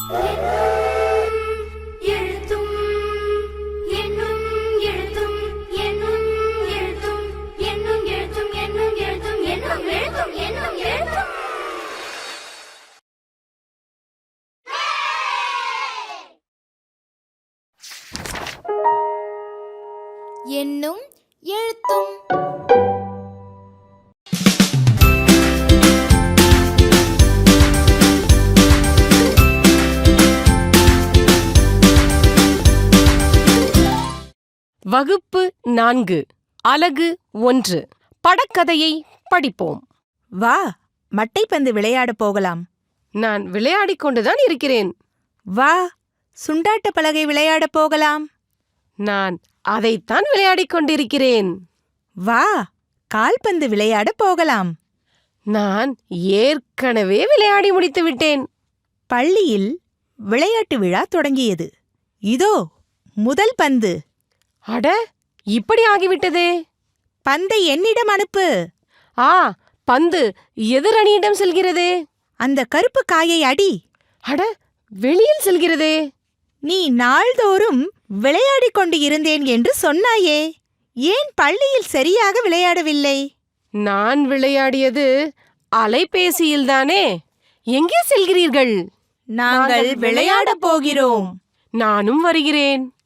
எண்ணும் எழுத்தும். வகுப்பு 4 அலகு 1 படக்கதையை படிப்போம். வா, மட்டைப்பந்து விளையாட போகலாம். நான் விளையாடிக் கொண்டுதான் இருக்கிறேன். வா, சுண்டாட்ட பலகை விளையாட போகலாம். நான் அதைத்தான் விளையாடிக் கொண்டிருக்கிறேன். வா, கால்பந்து விளையாட போகலாம். நான் ஏற்கனவே விளையாடி முடித்து விட்டேன். பள்ளியில் விளையாட்டு விழா தொடங்கியது. இதோ முதல் பந்து. அட, இப்படி ஆகிவிட்டதே. பந்தை என்னிடம் அனுப்பு. ஆ, பந்து எதிரணியிடம் செல்கிறதே. அந்த கருப்பு காயை அடி. அட, வெளியில் செல்கிறதே. நீ நாள்தோறும் விளையாடிக் கொண்டு இருந்தேன் என்று சொன்னாயே, ஏன் பள்ளியில் சரியாக விளையாடவில்லை? நான் விளையாடியது அலைபேசியில்தானே. எங்கே செல்கிறீர்கள்? நாங்கள் விளையாடப் போகிறோம். நானும் வருகிறேன்.